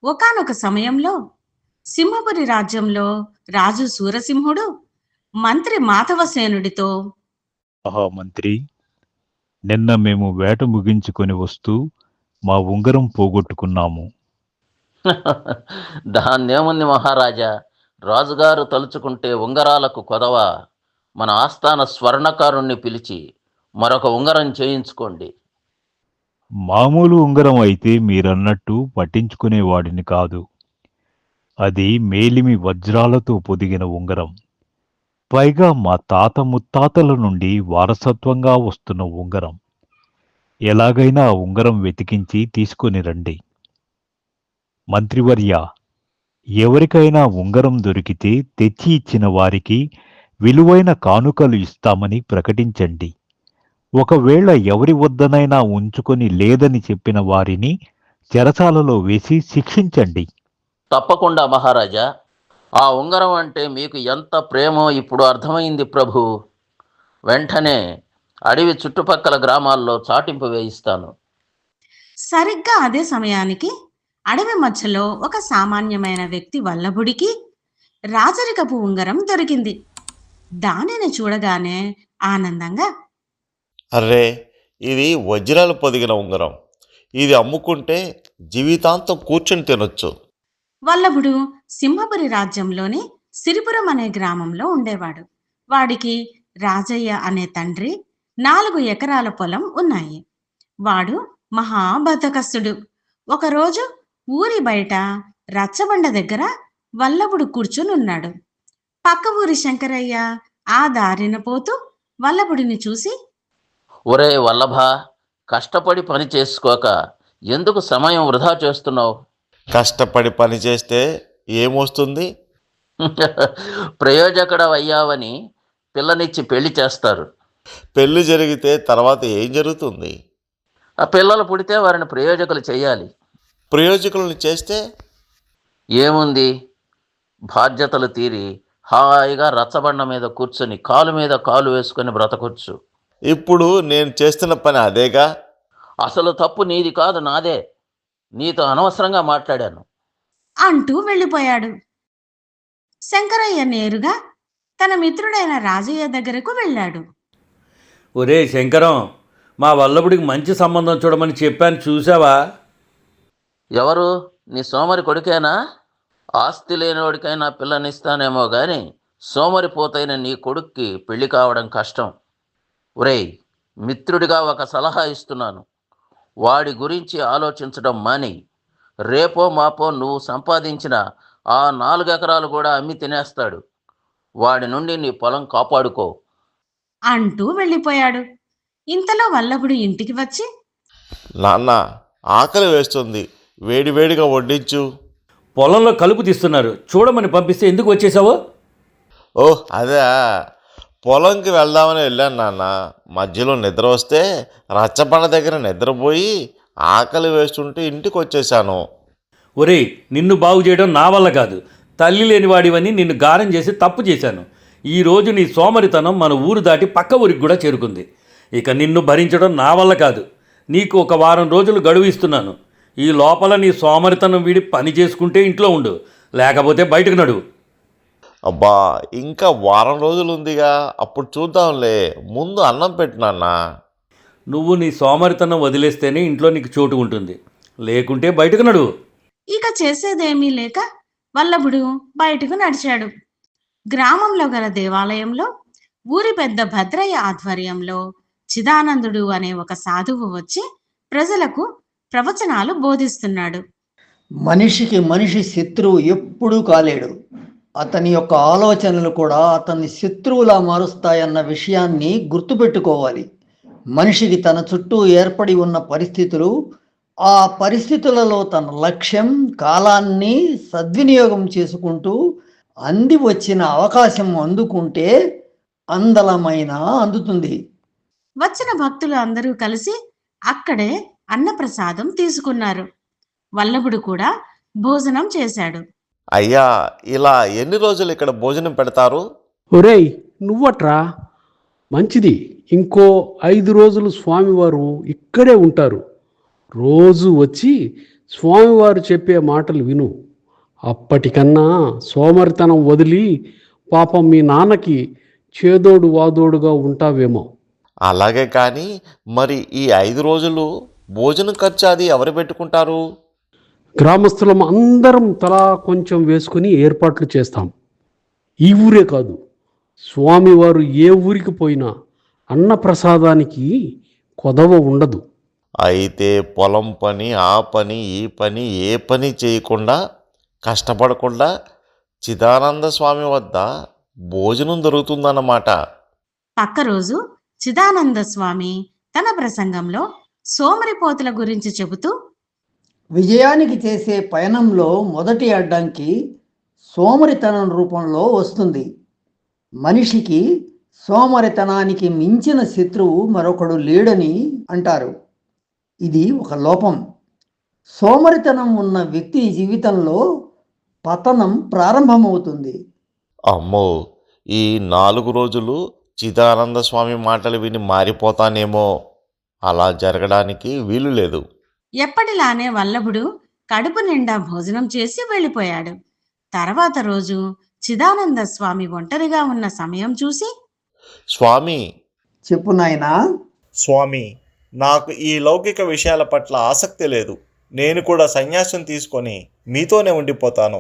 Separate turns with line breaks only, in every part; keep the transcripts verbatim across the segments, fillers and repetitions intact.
ఒకానొక సమయంలో సింహపురి రాజ్యంలో రాజు సూరసింహుడు మంత్రి మాధవసేనుడితో,
ఆహా మంత్రి, నిన్న మేము వేట ముగించుకొని వస్తూ మా ఉంగరం పోగొట్టుకున్నాము.
దాన్నేముంది మహారాజా, రాజుగారు తలుచుకుంటే ఉంగరాలకు కొదవ. మన ఆస్థాన స్వర్ణకారుణ్ణి పిలిచి మరొక ఉంగరం చేయించుకోండి.
మామూలు ఉంగరం అయితే మీరన్నట్టు పట్టించుకునేవాడిని కాదు. అది మేలిమి వజ్రాలతో పొదిగిన ఉంగరం. పైగా మా తాత ముత్తాతల నుండి వారసత్వంగా వస్తున్న ఉంగరం. ఎలాగైనా ఆ ఉంగరం వెతికించి తీసుకొని రండి. మంత్రివర్య, ఎవరికైనా ఉంగరం దొరికితే తెచ్చి ఇచ్చిన వారికి విలువైన కానుకలు ఇస్తామని ప్రకటించండి. ఒకవేళ ఎవరి వద్దనైనా ఉంచుకొని లేదని చెప్పిన వారిని చెరసాలలో వేసి శిక్షించండి.
తప్పకుండా మహారాజా. ఆ ఉంగరం అంటే మీకు ఎంత ప్రేమో ఇప్పుడు అర్థమైంది ప్రభు. వెంటనే అడవి చుట్టుపక్కల గ్రామాల్లో చాటింపు వేయిస్తాను.
సరిగ్గా అదే సమయానికి అడవి మధ్యలో ఒక సామాన్యమైన వ్యక్తి వల్లభుడికి రాజరికపు ఉంగరం దొరికింది. దానిని చూడగానే ఆనందంగా,
అర్రే, ఇది వజ్రాలు పొదిగిన ఉంగరం. ఇది అమ్ముకుంటే జీవితాంతం కూర్చొని తినొచ్చు.
వల్లభుడు సింహపురి రాజ్యంలోని సిరిపురం అనే గ్రామంలో ఉండేవాడు. వాడికి రాజయ్య అనే తండ్రి, నాలుగు ఎకరాల పొలం ఉన్నాయి. వాడు మహాబద్ధకస్తుడు. ఒకరోజు ఊరి బయట రచ్చబండ దగ్గర వల్లభుడు కూర్చునున్నాడు. పక్క ఊరి శంకరయ్య ఆ దారిన పోతూ వల్లభుడిని చూసి,
ఒరే వల్లభ, కష్టపడి పని చేసుకోక ఎందుకు సమయం వృధా చేస్తున్నావు?
కష్టపడి పని చేస్తే ఏమొస్తుంది?
ప్రయోజకుడవయ్యావని పిల్లనిచ్చి పెళ్లి చేస్తారు.
పెళ్లి జరిగితే తర్వాత ఏం జరుగుతుంది?
ఆ పిల్లలు పుడితే వారిని ప్రయోజకులు చేయాలి.
ప్రయోజకులను చేస్తే
ఏముంది, బాధ్యతలు తీరి హాయిగా రచ్చబండ మీద కూర్చొని కాలు మీద కాలు వేసుకొని బ్రతకొచ్చు.
ఇప్పుడు నేను చేస్తున్న పని అదేగా.
అసలు తప్పు నీది కాదు, నాదే. నీతో అనవసరంగా మాట్లాడాను
అంటూ వెళ్ళిపోయాడు. శంకరయ్య నేరుగా తన మిత్రుడైన రాజయ్య దగ్గరకు వెళ్ళాడు.
ఒరే శంకరం, మా వల్లభుడికి మంచి సంబంధం చూడమని చెప్పాను, చూసావా?
ఎవరు? నీ సోమరి కొడుకేనా? ఆస్తి లేనివాడికైనా పిల్లనిస్తానేమో గాని సోమరిపోతైన నీ కొడుక్కి పెళ్లి కావడం కష్టం. ఒరేయ్, మిత్రుడిగా ఒక సలహా ఇస్తున్నాను. వాడి గురించి ఆలోచించడం మాని. రేపో మాపో నువ్వు సంపాదించిన ఆ నాలుగు ఎకరాలు కూడా అమ్మి తినేస్తాడు. వాడి నుండి నీ పొలం కాపాడుకో
అంటూ వెళ్ళిపోయాడు. ఇంతలో వల్లభుడు ఇంటికి వచ్చి,
నాన్న, ఆకలి వేస్తుంది, వేడివేడిగా వడ్డించు.
పొలంలో కలుపు తీస్తున్నారు, చూడమని పంపిస్తే ఎందుకు వచ్చేసావో?
ఓహ్ అదే, పొలంకి వెళ్దామని వెళ్ళాను నాన్న. మధ్యలో నిద్ర వస్తే రచ్చబండ దగ్గర నిద్రపోయి ఆకలి వేస్తుంటే ఇంటికి వచ్చేసాను.
ఒరేయ్, నిన్ను బాగు చేయడం నా వల్ల కాదు. తల్లి లేనివాడివని నిన్ను గారం చేసి తప్పు చేశాను. ఈరోజు నీ సోమరితనం మన ఊరు దాటి పక్క ఊరికి కూడా చేరుకుంది. ఇక నిన్ను భరించడం నా వల్ల కాదు. నీకు ఒక వారం రోజులు గడువు ఇస్తున్నాను. ఈ లోపల నీ సోమరితనం వీడి పని చేసుకుంటే ఇంట్లో ఉండు, లేకపోతే బయటకు నడువు.
అబ్బా, ఇంకా వారం రోజులు ఉందిగా, అప్పుడు చూద్దాంలే. ముందు అన్నం పెట్టు నాన్న.
నువ్వు నీ సోమరితనం వదిలేస్తేనే ఇంట్లో నీకు చోటు ఉంటుంది, లేకుంటే బయటకు నడువు.
ఇక చేసేదేమీ లేక వల్లభుడు బయటకు నడిచాడు. గ్రామంలో గల దేవాలయంలో ఊరి పెద్ద భద్రయ్య ఆధ్వర్యంలో చిదానందుడు అనే ఒక సాధువు వచ్చి ప్రజలకు ప్రవచనాలు బోధిస్తున్నాడు.
మనిషికి మనిషి శత్రువు ఎప్పుడూ కాలేడు. అతని యొక్క ఆలోచనలు కూడా అతన్ని శత్రువులా మారుస్తాయన్న విషయాన్ని గుర్తుపెట్టుకోవాలి. మనిషికి తన చుట్టూ ఏర్పడి ఉన్న పరిస్థితులు, ఆ పరిస్థితులలో తన లక్ష్యం, కాలాన్ని సద్వినియోగం చేసుకుంటూ అంది వచ్చిన అవకాశం అందుకుంటే అందలమైన అందుతుంది.
వచ్చిన భక్తులు అందరూ కలిసి అక్కడే అన్నప్రసాదం తీసుకున్నారు. వల్లభుడు కూడా భోజనం చేశాడు.
అయ్యా, ఇలా ఎన్ని రోజులు ఇక్కడ భోజనం పెడతారు?
ఒరేయ్, నువ్వట్రా, మంచిది. ఇంకో ఐదు రోజులు స్వామివారు ఇక్కడే ఉంటారు. రోజు వచ్చి స్వామివారు చెప్పే మాటలు విను. అప్పటికన్నా సోమరితనం వదిలి పాపం మీ నాన్నకి చేదోడు వాదోడుగా ఉంటావేమో.
అలాగే కానీ మరి ఈ ఐదు రోజులు భోజనం ఖర్చు అది ఎవరు పెట్టుకుంటారు?
గ్రామస్తులం అందరం తలా కొంచెం వేసుకుని ఏర్పాట్లు చేస్తాం. ఈ ఊరే కాదు, స్వామివారు ఏ ఊరికి పోయినా అన్నప్రసాదానికి కొదవ ఉండదు.
అయితే పొలం పని, ఆ పని, ఈ పని, ఏ పని చేయకుండా కష్టపడకుండా చిదానంద స్వామి వద్ద భోజనం దొరుకుతుందన్నమాట.
పక్క రోజు చిదానంద స్వామి తన ప్రసంగంలో సోమరిపోతుల గురించి చెబుతూ,
విజయానికి చేసే పయనంలో మొదటి అడ్డంకి సోమరితనం రూపంలో వస్తుంది. మనిషికి సోమరితనానికి మించిన శత్రువు మరొకడు లేడని అంటారు. ఇది ఒక లోపం. సోమరితనం ఉన్న వ్యక్తి జీవితంలో పతనం ప్రారంభమవుతుంది.
అమ్మో, ఈ నాలుగు రోజులు చిదానంద స్వామి మాటలు విని మారిపోతానేమో. అలా జరగడానికి వీలు లేదు.
ఎప్పటిలానే వల్లభుడు కడుపు నిండా భోజనం చేసి వెళ్ళిపోయాడు. తర్వాత రోజు చిదానంద స్వామి ఒంటరిగా ఉన్న సమయం చూసి,
స్వామి,
చెప్పు నాయనా.
స్వామి, నాకు ఈ లౌకిక విషయాల పట్ల ఆసక్తి లేదు. నేను కూడా సన్యాసం తీసుకొని మీతోనే ఉండిపోతాను.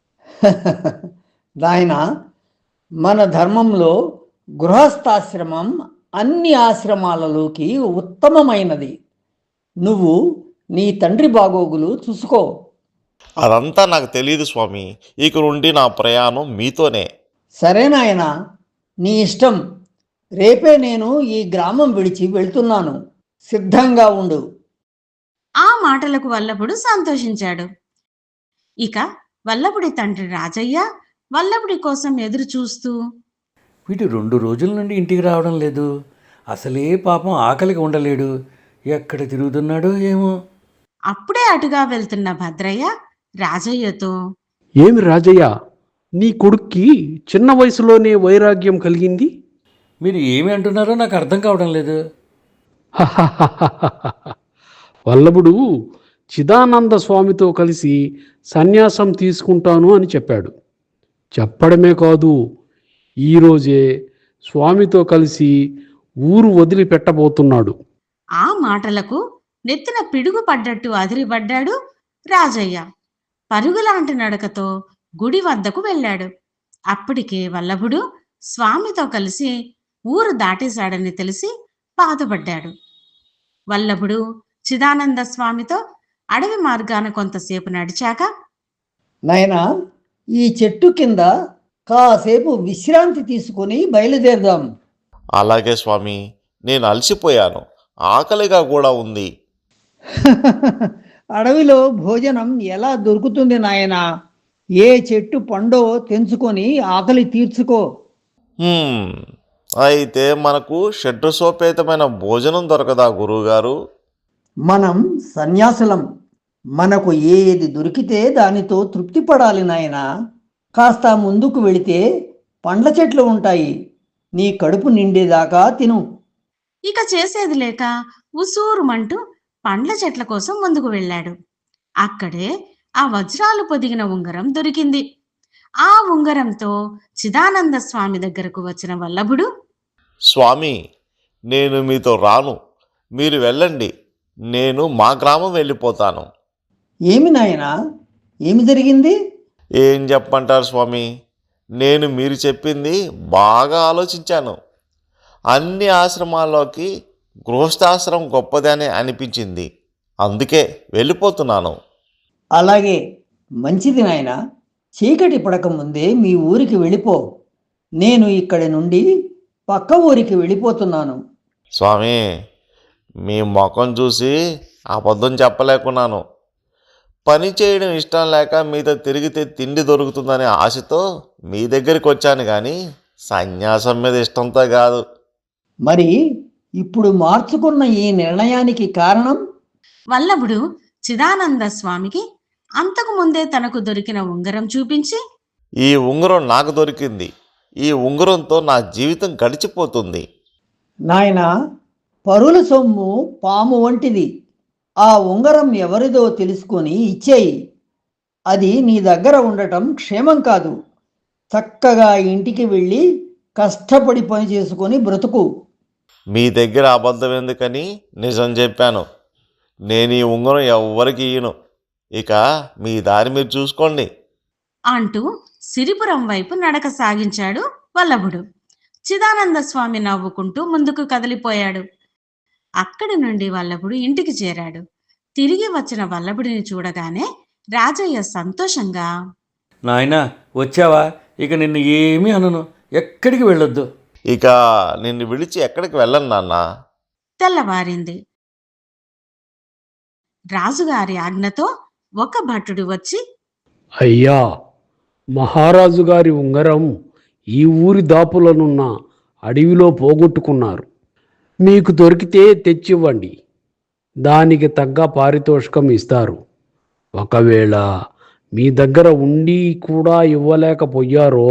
నాయనా, మన ధర్మంలో గృహస్థాశ్రమం అన్ని ఆశ్రమాలలోకి ఉత్తమమైనది. నువ్వు నీ తండ్రి బాగోగులు చూసుకో.
అదంతా నాకు తెలియదు స్వామి. ఇక నుండి నా ప్రయాణం మీతోనే.
సరే నాయనా, నీ ఇష్టం. రేపే నేను ఈ గ్రామం విడిచి వెళ్తున్నాను. సిద్ధంగా ఉండు.
ఆ మాటలకు వల్లభుడు సంతోషించాడు. ఇక వల్లభుడి తండ్రి రాజయ్య వల్లభుడి కోసం ఎదురు చూస్తూ,
వీడు రెండు రోజుల నుండి ఇంటికి రావడం లేదు. అసలే పాపం ఆకలికి ఉండలేడు. ఎక్కడ తిరుగుతున్నాడో ఏమో.
అప్పుడే అటుగా వెళ్తున్న భద్రయ్య రాజయ్యతో,
ఏమి రాజయ్య, నీ కొడుక్కి చిన్న వయసులోనే వైరాగ్యం కలిగింది?
మీరు ఏమి అంటున్నారో నాకు అర్థం కావడం లేదు.
వల్లభుడు చిదానంద స్వామితో కలిసి సన్యాసం తీసుకుంటాను అని చెప్పాడు. చెప్పడమే కాదు, ఈరోజే స్వామితో కలిసి ఊరు వదిలిపెట్టబోతున్నాడు.
ఆ మాటలకు నెత్తిన పిడుగు పడ్డట్టు అదిరిపడ్డాడు రాజయ్య. పరుగులాంటి నడకతో గుడి వద్దకు వెళ్ళాడు. అప్పటికే వల్లభుడు స్వామితో కలిసి ఊరు దాటేశాడని తెలిసి బాధపడ్డాడు. వల్లభుడు చిదానంద స్వామితో అడవి మార్గాన కొంతసేపు నడిచాక,
నాయనా, ఈ చెట్టు కింద కాసేపు విశ్రాంతి తీసుకుని బయలుదేరదాం.
అలాగే స్వామి, నేను అలసిపోయాను. ఆకలిగా కూడా ఉంది.
అడవిలో భోజనం ఎలా దొరుకుతుంది నాయనా? ఏ చెట్టు పండో తెంచుకొని ఆకలి తీర్చుకో.
హ్మ్, అయితే మనకు షడ్రసోపేతమైన భోజనం దొరకదా గురువుగారు?
మనం సన్యాసులం. మనకు ఏది దొరికితే దానితో తృప్తి పడాలి నాయనా. కాస్త ముందుకు వెళితే పండ్ల చెట్లు ఉంటాయి. నీ కడుపు నిండేదాకా తిను.
ఇక చేసేది లేక ఉసూరుమంటూ పండ్ల చెట్ల కోసం ముందుకు వెళ్ళాడు. అక్కడే ఆ వజ్రాలు పొదిగిన ఉంగరం దొరికింది. ఆ ఉంగరంతో చిదానంద స్వామి దగ్గరకు వచ్చిన వల్లభుడు,
స్వామి, నేను మీతో రాను. మీరు వెళ్ళండి. నేను మా గ్రామం వెళ్ళిపోతాను.
ఏమి నాయనా, ఏమి జరిగింది?
ఏం చెప్పంటారు స్వామి? నేను మీరు చెప్పింది బాగా ఆలోచించాను. అన్ని ఆశ్రమాల్లోకి గృహస్థాశ్రమం గొప్పదని అనిపించింది. అందుకే వెళ్ళిపోతున్నాను.
అలాగే, మంచిది నాయనా. చీకటి పడక ముందే మీ ఊరికి వెళ్ళిపో. నేను ఇక్కడి నుండి పక్క ఊరికి వెళ్ళిపోతున్నాను.
స్వామి, మీ ముఖం చూసి అబద్ధం చెప్పలేకున్నాను. పని చేయడం ఇష్టం లేక మీతో తిరిగితే తిండి దొరుకుతుందనే ఆశతో మీ దగ్గరికి వచ్చాను, కానీ సన్యాసం మీద ఇష్టంతో కాదు.
మరి ఇప్పుడు మార్చుకున్న ఈ నిర్ణయానికి కారణం?
వల్లభుడు చిదానంద స్వామికి అంతకు ముందే తనకు దొరికిన ఉంగరం చూపించి,
ఈ ఉంగరం నాకు దొరికింది. ఈ ఉంగరంతో నా జీవితం గడిచిపోతుంది.
నాయనా, పరుల సొమ్ము పాము వంటిది. ఆ ఉంగరం ఎవరిదో తెలుసుకొని ఇచ్చేయి. అది నీ దగ్గర ఉండటం క్షేమం కాదు. చక్కగా ఇంటికి వెళ్ళి కష్టపడి పని చేసుకొని బ్రతుకు.
మీ దగ్గర అబద్ధం ఎందుకని నిజం చెప్పాను. నేను ఈ ఉంగరం ఎవ్వరికి ఇయ్యను. ఇక మీ దారి మీరు చూసుకోండి.
అంటూ సిరిపురం వైపు నడక సాగించాడు వల్లభుడు. చిదానంద స్వామి నవ్వుకుంటూ ముందుకు కదిలిపోయాడు. అక్కడి నుండి వల్లభుడు ఇంటికి చేరాడు. తిరిగి వచ్చిన వల్లభుడిని చూడగానే రాజయ్య సంతోషంగా,
నాయనా వచ్చావా? ఇక నిన్ను ఏమీ అనను, ఎక్కడికి వెళ్ళొద్దు.
ఇక నిన్ను విడిచి ఎక్కడికి వెళ్ళను నాన్న.
తెల్లవారింది. రాజుగారి ఆజ్ఞతో ఒక భటుడు వచ్చి,
అయ్యా, మహారాజు గారి ఉంగరం ఈ ఊరి దాపులనున్న అడవిలో పోగొట్టుకున్నారు. మీకు దొరికితే తెచ్చివ్వండి. దానికి తగ్గ పారితోషికం ఇస్తారు. ఒకవేళ మీ దగ్గర ఉండి కూడా ఇవ్వలేకపోయారో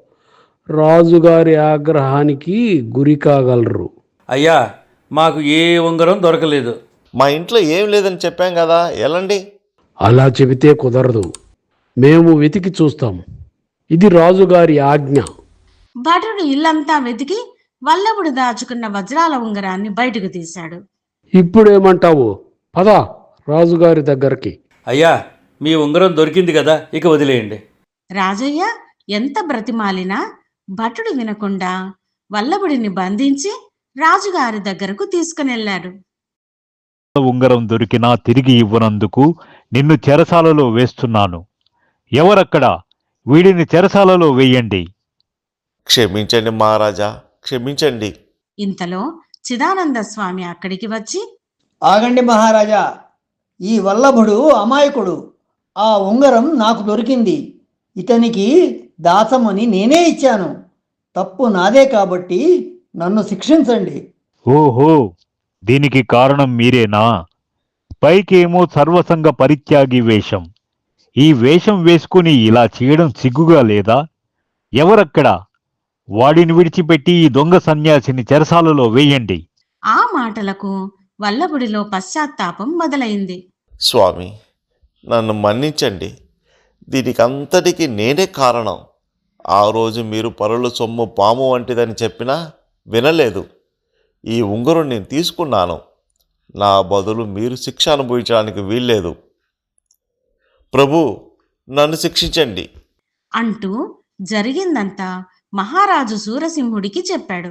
రాజుగారి ఆగ్రహానికి గురి కాగలరు.
అయ్యా, మాకు ఏ ఉంగరం దొరకలేదు.
మా ఇంట్లో ఏం లేదని చెప్పాం కదా, ఎలాండి?
అలా చెబితే కుదరదు. మేము వెతికి చూస్తాం. ఇది రాజుగారి ఆజ్ఞ.
భటుడు ఇల్లంతా వెతికి వల్లభుడు దాచుకున్న వజ్రాల ఉంగరాన్ని బయటకు తీశాడు.
ఇప్పుడేమంటావు? పద రాజుగారి దగ్గరికి.
అయ్యా, మీ ఉంగరం దొరికింది కదా, ఇక వదిలేయండి.
రాజయ్య ఎంత బ్రతిమాలినా భటుడు వినకుండా వల్లభుడిని బంధించి రాజుగారి దగ్గరకు తీసుకునెళ్లాడు.
ఉంగరం దొరికినా తిరిగి ఇవ్వనందుకు నిన్ను చెరసాలలో వేస్తున్నాను. ఎవరక్కడ? వీడిని చెరసాలలో వేయండి.
క్షమించండి మహారాజా, క్షమించండి.
ఇంతలో చిదానంద స్వామి అక్కడికి వచ్చి,
ఆగండి మహారాజా, ఈ వల్లభుడు అమాయకుడు. ఆ ఉంగరం నాకు దొరికింది. ఇతనికి దాచమని నేనే ఇచ్చాను. తప్పు నాదే కాబట్టి నన్ను శిక్షించండి.
ఓహో, దీనికి కారణం మీరేనా? పైకేమో సర్వసంగ పరిత్యాగి వేషం. ఈ వేషం వేసుకుని ఇలా చేయడం సిగ్గుగా లేదా? ఎవరక్కడ? వాడిని విడిచిపెట్టి ఈ దొంగ సన్యాసిని చెరసాలలో వేయండి.
ఆ మాటలకు వల్లభుడిలో పశ్చాత్తాపం మొదలైంది.
స్వామి, నన్ను మన్నించండి. దీనికి అంతటికీ నేనే కారణం. ఆ రోజు మీరు పరుల సొమ్ము పాము వంటిదని చెప్పినా వినలేదు. ఈ ఉంగరం నేను తీసుకున్నాను. నా బదులు మీరు శిక్ష అనుభవించడానికి వీల్లేదు. ప్రభు, నన్ను శిక్షించండి
అంటూ జరిగిందంతా మహారాజు సూరసింహుడికి చెప్పాడు.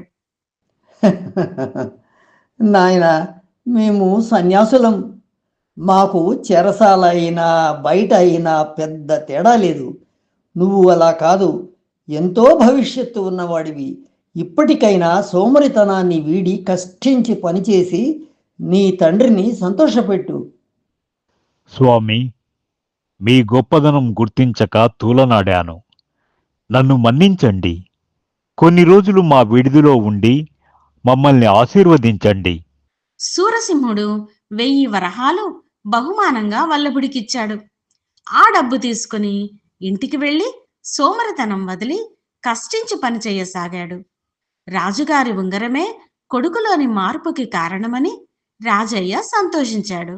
నాయనా, మేము సన్యాసులం. మాకు చెరసాల అయినా బయట అయినా పెద్ద తేడా లేదు. నువ్వు అలా కాదు. ఎంతో భవిష్యత్తు ఉన్నవాడివి. ఇప్పటికైనా సోమరితనాన్ని వీడి కష్టించి పనిచేసి నీ తండ్రిని సంతోషపెట్టు.
స్వామి, మీ గొప్పదనం గుర్తించక తూలనాడాను. నన్ను మన్నించండి. కొన్ని రోజులు మా విడిదిలో ఉండి మమ్మల్ని ఆశీర్వదించండి.
సూరసింహుడు వెయ్యి వరహాలు బహుమానంగా వల్లభుడికిచ్చాడు. ఆ డబ్బు తీసుకుని ఇంటికి వెళ్ళి సోమరితనం వదిలి కష్టించి పనిచేయసాగాడు. రాజుగారి ఉంగరమే కొడుకులోని మార్పుకి కారణమని రాజయ్య సంతోషించాడు.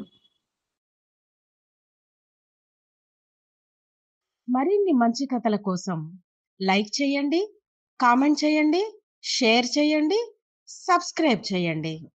మరిన్ని మంచి కథల కోసం లైక్ చేయండి, కామెంట్ చేయండి, షేర్ చేయండి, సబ్స్క్రైబ్ చేయండి.